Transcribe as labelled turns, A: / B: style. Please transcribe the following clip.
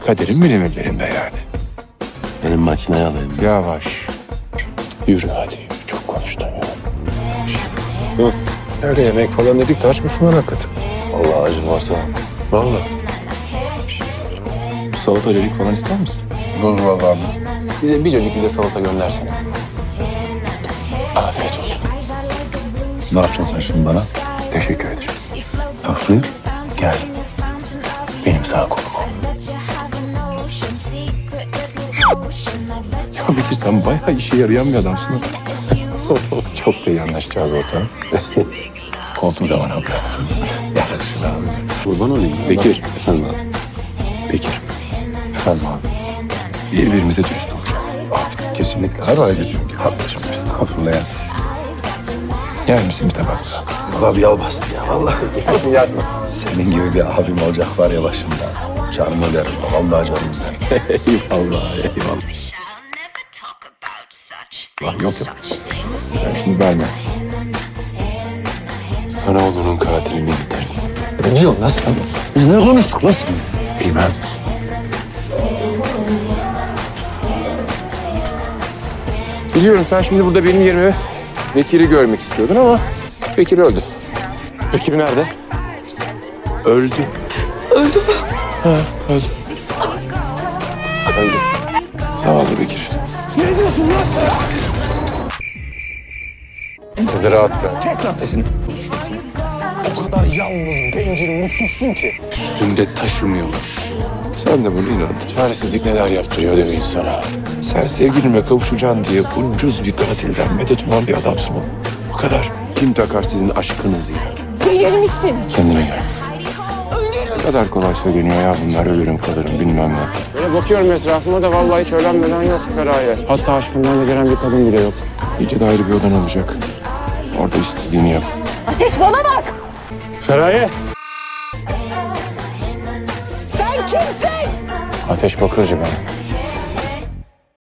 A: Kaderin benim ellerimde yani.
B: Benim makineyi alayım.
A: Yavaş. Yürü hadi yürü. Çok konuştun ya.
B: Hı.
A: Öyle yemek falan dedik de aç mısın lan hakikaten?
B: Allah acım varsa.
A: Vallahi. Salata cacık falan ister misin?
B: Dur vallahi.
A: Bize bir cacık bir de salata göndersene. Afiyet olsun.
B: Ne yapacaksın sen şimdi bana?
A: Teşekkür ederim.
B: Tafrıyor.
A: Gel. Benim sağ kolum ol. Ya Bekir sen bayağı işe yarayan bir adamsın. Çok da iyi anlaşacağız ortam. Koltuğu da bana bıraktın.
B: Yakışır abi. Kurban olayım.
A: Bekir.
B: Efendim abi.
A: Bekir,
B: Efendim abi.
A: birbirimize dürüst olacağız.
B: Abi kesinlikle her ay ediyorum ki kardeşim. Estağfurullah ya.
A: Yer misin bir tabak daha?
B: Valla bir yal bastı ya vallahi.
A: Yersin yersin.
B: Senin gibi bir abim olacak var ya başımda. Canım ölerim. Vallahi canım ölerim.
A: Eyvallah, eyvallah. Yok yok. Sen şimdi verme. Sana oğlunun katilini getirdim.
B: Ne diyorsun lan sen? Biz ne konuştuk lan sen?
A: Bilmem. Biliyorum sen şimdi burada benim yerime Bekir'i görmek istiyordun ama Bekir öldü.
C: Bekir nerede?
A: Öldü.
D: Öldü mü?
A: Ha, öldü. Öldü. Zavallı Bekir.
C: Ne diyorsun lan sen?
A: Kızı rahat bırak.
C: Kes lan sesini. O kadar yalnız, bencil, mutsuzsun ki.
A: Üstünde taşımıyormuş. Sen de bunu inandın. Çaresizlik neler yaptırıyor değil mi insana? Sen sevgilinle kavuşacaksın diye ucuz bir katilden medet uman bir adamsın oğlum. O kadar. Kim takar sizin aşkınızı ya?
D: Delirmişsin.
A: Kendine gel. Ne kadar kolay söyleniyor ya bunlar, ölürüm kalırım bilmem ne. Böyle bakıyorum etrafıma da vallahi hiç ölen ölen yok Feraye. Hatta aşkından da gelen bir kadın bile yok. Gece de ayrı bir odan olacak. Orada istediğini yap.
D: Ateş bana bak.
A: Feraye!
D: Sen kimsin?
A: Ateş Bakırcı ben.